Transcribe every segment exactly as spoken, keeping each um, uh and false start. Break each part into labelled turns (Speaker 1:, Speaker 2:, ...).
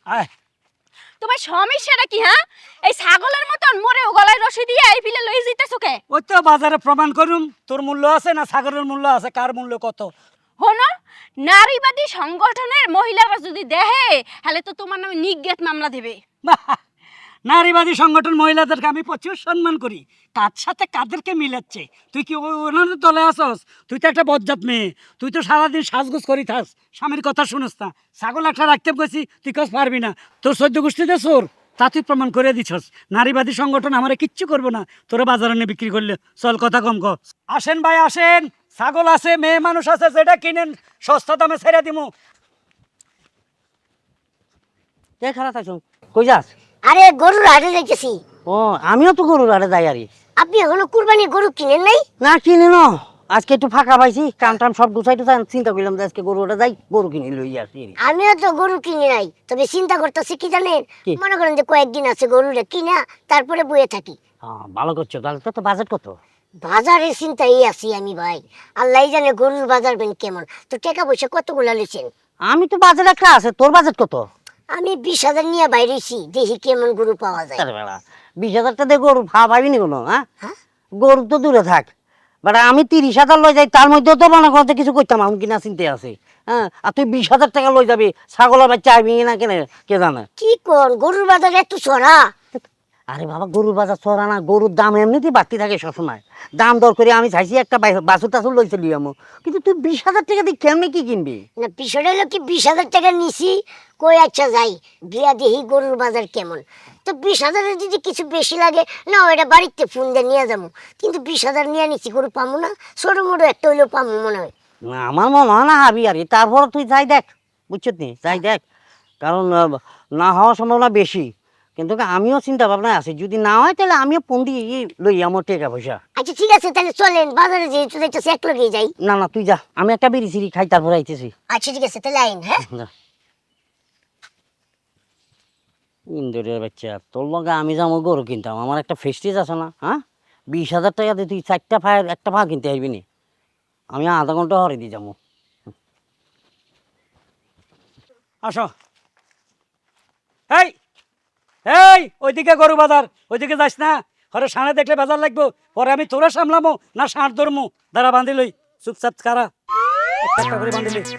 Speaker 1: আয়
Speaker 2: তোমার সমস্যাটা কি? হ্যাঁ, এই ছাগলের মতন মরে গলায় রশি দিয়ে এই ফিলে লই যাইতেছো কে?
Speaker 1: ওই তো বাজারে প্রমাণ করুম তোর মূল্য আছে না ছাগলের মূল্য আছে, কার মূল্য কত।
Speaker 2: হনো, নারীবাদী সংগঠনের মহিলারা যদি দেহে তাহলে তো তোমার নামে নিগ্রেট মামলা দেবে।
Speaker 1: নারীবাদী সংগঠন মহিলাদেরকে আমি প্রচুর সম্মান করি, কার সাথে কাদেরকে মিলাচ্ছে। তুই কি ও- ওনাদের দলে আসস? তুই তো একটা বজ্জাত মেয়ে, তুই তো সারাদিন সাজগোজ করি থাস, স্বামীর কথা শুনস না। ছাগল একটা রাখতে গেছি, তুই কাজ পারবি না, তোর সহ্য গোষ্ঠীতে চোর, তা তুই প্রমাণ করে দিছস। নারীবাদী সংগঠন আমারে কিচ্ছু করবো না, তোরা বাজারে নিয়ে বিক্রি করলে। চল কথা কম ক। আসেন ভাই আসেন, ছাগল আছে, মেয়ে মানুষ আছে, যেটা কিনেন সস্তা দামে ছেড়ে দিমু।
Speaker 3: কে খারাপ আছো? কই যাস?
Speaker 4: আরে গরুর হাটে যাইতেছি।
Speaker 3: ও আমিও তো গরুর হাটে যাই আরে।
Speaker 4: আপনি এখনো কুরবানি গরু কিনেন নাই?
Speaker 3: না কিনে ন, আজকে একটু ফাঁকা পাইছি, কাম টাম সব গুছাই টুছাই চিন্তা করলাম যে আজকে গরু হাটে যাই, গরু কিনে লই আসি।
Speaker 4: আমিও তো গরু কিনে নাই, তবে চিন্তা করতেছি কি জানেন,
Speaker 3: কি?
Speaker 4: মনে করেন যে কয়েকদিন আছে গরুটা কিনা তারপরে বয়ে থাকি।
Speaker 3: হ্যাঁ ভালো করছো, তাহলে তো বাজেট কত?
Speaker 4: বাজারের চিন্তাই আছি আমি ভাই, আল্লাহ জানে গরুর বাজার বেন কেমন। তো টাকা পয়সা কতগুলা লইছেন?
Speaker 3: আমি তো বাজেট একটা আছে, তোর বাজেট কত?
Speaker 4: আমি বিশ হাজার নিয়ে বাইরেছি, দেখি কেমন গরু পাওয়া যায়।
Speaker 3: আরে বেড়া, বিশ হাজার টাকা দিয়ে গরু ভাব পাবি নি কোনো? হ্যাঁ,
Speaker 4: হ্যাঁ?
Speaker 3: গরু তো দূরে থাক, বাট আমি তিরিশ হাজার লই যাই, তার মধ্যেও তো মনে করতে কিছু করতাম আমি কিনা চিন্তা আছে। হ্যাঁ, আর তুই বিশ হাজার টাকা লই যাবি, ছাগলের বাচ্চা আইবি না কেনে কে জানে।
Speaker 4: কি কোন গরুর বাজার এত চড়া?
Speaker 3: আরে বাবা, গরুর বাজার চড়া না, গরুর দাম এমনিতেই বাড়তি থাকে সবসময়। দাম দর করে আমি চাইছি একটা বাছুর টাছুর লইতে লিয়ে আমো, কিন্তু তুই বিশ হাজার টাকা দিয়ে কেমনি কি কিনবি?
Speaker 4: না বিষয়টা হলো কি, বিশ হাজার টাকা নিছি, কই আচ্ছা যাই গিয়া দেখি গরুর বাজার কেমন। তো বিশ হাজারের যদি কিছু বেশি লাগে না, ওইটা বাড়িতে ফোন দিয়ে নিয়ে যাবো। কিন্তু বিশ হাজার নিয়ে নিছি, গরু পামু না? ছোটো মোটো একটা হইলেও পামু মনে হয়।
Speaker 3: না আমার মনে হয় না হাবি আরে, তারপর তুই যাই দেখ, বুঝছিস নি, যাই দেখ, কারণ আহ, না হওয়ার সম্ভাবনা বেশি। কিন্তু আমিও চিন্তা ভাবনায় আছি, যদি না হয় তাহলে আমিও ফোন দিয়ে লই আমার টাকা পয়সা।
Speaker 4: আচ্ছা ঠিক আছে, তাহলে চলেন বাজারে যেহেতু যাইতেছি এক লগেই যাই।
Speaker 3: না না তুই যা, আমি একটা বিড়ি সিড়ি খাই তারপর আইতেছি।
Speaker 4: আচ্ছা ঠিক আছে, তাহলে আইন। হ্যাঁ,
Speaker 3: ইন্দুরের বাচ্চা, তোর লগে আমি যাবো গরু কিনতাম, আমার একটা ফেস্টিজ আছে না? হ্যাঁ, বিশ হাজার টাকা দিয়ে তুই চারটা ফায়ার একটা পা কিনতে আসবি নি? আমি আধা ঘন্টা হরে দিয়ে যাবো।
Speaker 1: আসো। এই এই ওইদিকে গরু বাজার, ওইদিকে যাস না, হরে সাঁড়ে দেখলে বাজার লাগবো, পরে আমি তোরা সামলামো না ষাঁড় ধরমু? দাঁড়া বান্ধি লই, চুপচাপ কারা একটা করে বান্ধি লই।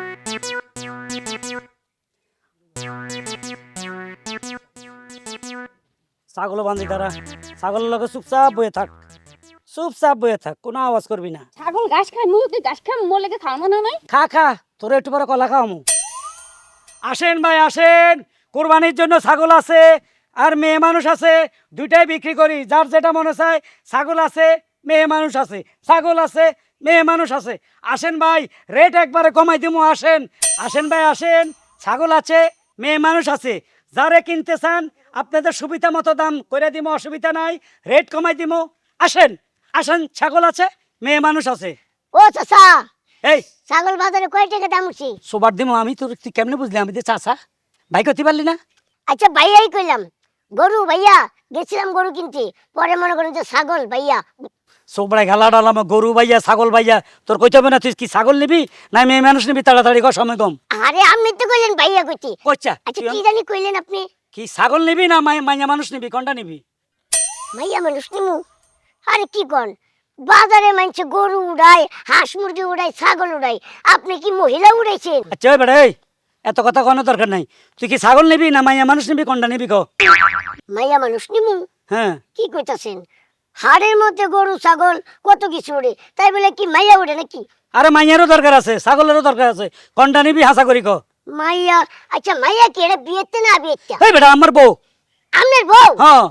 Speaker 1: ছাগলও বান্ধি দাঁড়া, ছাগলের লগে চুপচাপ বয়ে থাক, চুপচাপ বয়ে থাক, কোনো আওয়াজ করবি না।
Speaker 2: ছাগল ঘাস খায়, মুরগি ঘাস খায়, মোলেকে খাওয়ানো না নাই?
Speaker 1: খা খা, তোরা একটু পরে কলা খাওয়ামু। আসেন ভাই আসেন, কোরবানির জন্য ছাগল আছে আর মেয়ে মানুষ আছে, দুইটাই বিক্রি করি। যার যেটা মনে চায়, ছাগল আছে, মেয়ে মানুষ আছে, ছাগল আছে, মেয়ে মানুষ আছে। আসেন ভাই, রেট একবারে কমাই দিমু। আসেন আসেন ভাই আসেন, ছাগল আছে, মেয়ে মানুষ আছে, যারে কিনতে চান আপনাদের সুবিধা মতো দাম করে দিমু, অসুবিধা নাই, রেট কমাই দিমু। আসেন আসেন, ছাগল আছে, মেয়ে মানুষ আছে।
Speaker 4: ও চাচা,
Speaker 1: এই
Speaker 4: ছাগল বাজারে কয় টাকা দাম উঠছি?
Speaker 1: সোবার দিমু আমি, তোর তুই কেমনে বুঝলি আমি যে চাচা? ভাই করতে পারলি না?
Speaker 4: আচ্ছা ভাইয়াই কইলাম, গরু ভাইয়া গেছিলাম গরু কিনতে, পরে মনে করেন যে ছাগল ভাইয়া।
Speaker 1: সোবড়ায় ঘালা ডালাম, গরু ভাইয়া ছাগল ভাইয়া, তোর কইতে হবে না? তুই কি ছাগল নিবি না মেয়ে মানুষ নিবি? তাড়াতাড়ি কর, সময় কম।
Speaker 4: আরে আপনি তো কইলেন ভাইয়া কইতে।
Speaker 1: কচ্চা
Speaker 4: আচ্ছা কি জানি কইলেন আপনি?
Speaker 1: কি ছাগল নিবি না মাই- মাইয়া মানুষ নিবি, কোনটা নিবি?
Speaker 4: ভাইয়া মানুষ নিমু? আরে কি কন, বাজারে মানছে গরু উড়ায়, হাঁস মুরগি উড়ায়, ছাগল উড়ায়, আপনি কি মহিলা উড়াইছেন?
Speaker 1: আচ্ছা ওই বেটা, এই এত কথা কোনো দরকার নাই। তুই কি ছাগল নিবি না মাইয়া মানুষ নিবি, কোনটা নিবি ক?
Speaker 4: মাইয়া মানুষ নিমু?
Speaker 1: হ্যাঁ।
Speaker 4: কি কইতাছেন? হাড়ের মধ্যে গরু ছাগল কত কিছু উড়ে, তাই বলে কি মাইয়া উড়ে নাকি?
Speaker 1: আরে মাইয়ারও দরকার আছে, ছাগলেরও দরকার আছে, কোনটা নিবি হাসা করি ক?
Speaker 4: মাইয়া? আচ্ছা মাইয়া কি এটা বিয়েতে না বিয়েতে?
Speaker 1: এই বেটা আমার বউ।
Speaker 4: আপনার বউ?
Speaker 1: হ্যাঁ।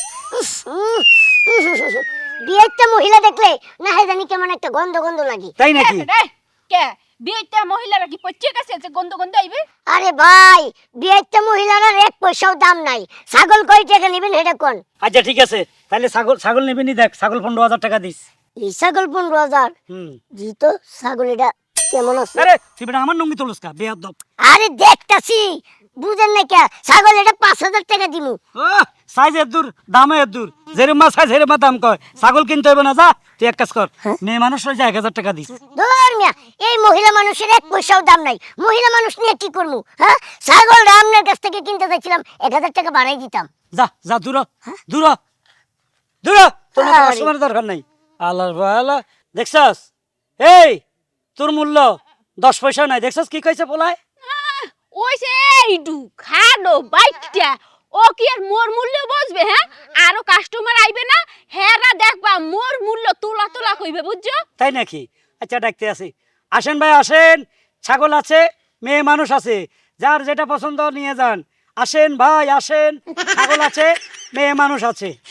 Speaker 4: বিয়েতে মহিলা দেখলে না হয় জানি কেমন একটা গন্ধ গন্ধ লাগে।
Speaker 1: তাই নাকি?
Speaker 2: রে, কে বিয়েতে মহিলারা কি পচিয়ে গেছে যে গন্ধ গন্ধ আইবে?
Speaker 4: আরে ভাই, বিয়েতে মহিলার এক পয়সাও দাম নাই। ছাগল কয় টাকা নেবেন হেটা কোন?
Speaker 1: আচ্ছা ঠিক আছে, তাহলে ছাগল ছাগল নিবি নি? দেখ ছাগল পনেরো হাজার টাকা দিস।
Speaker 4: এই ছাগল পনেরো হাজার?
Speaker 1: হুম।
Speaker 4: জি তো, ছাগল এটা কেমন আছে?
Speaker 1: আরে তুই বেটা আমার নঙ্গি তুলস কা বেয়াদব?
Speaker 4: আরে দেখতাছি, বুঝেন না কে? ছাগল এটা পাঁচ হাজার টাকা দিমু।
Speaker 1: সাইজ এর দূর, দামে এর দূর, যেরমা সাইজ হেরমা দাম কয়। ছাগল কিনতে হবে না, যা তুই এক কাজ কর, মেয়ে মানুষ রয়েছে এক হাজার টাকা দিস।
Speaker 4: ধর মিয়া, এই মহিলা মানুষের এক পয়সাও দাম নাই, মহিলা মানুষ নিয়ে কি করবো? হ্যাঁ, ছাগল আপনার কাছ থেকে চাইছিলাম এক হাজার টাকা বাড়াই দিতাম।
Speaker 1: যা যা দূর হ, দূর হ, দূর হ, তোর মতো
Speaker 4: আরে।
Speaker 1: কাস্টমারের দরকার নাই। আল্লাহ আল্লাহ দেখছস, এই তোর মূল্য দশ পয়সা নাই, দেখছস কি কইছে পোলায়?
Speaker 2: ওইছে এইটু খাডো বাইকটা, ও কি আর মোর মূল্য বুঝবে? হ্যাঁ, আরো কাস্টমার আইবে না, হেরা দেখবা মোর মূল্য তোলা তোলা কইবে, বুঝছো?
Speaker 1: তাই নাকি? আচ্ছা ডাকতে আসি। আসেন ভাই আসেন, ছাগল আছে, মেয়ে মানুষ আছে, যার যেটা পছন্দ নিয়ে যান। আসেন ভাই আসেন, ছাগল আছে, মেয়ে মানুষ আছে।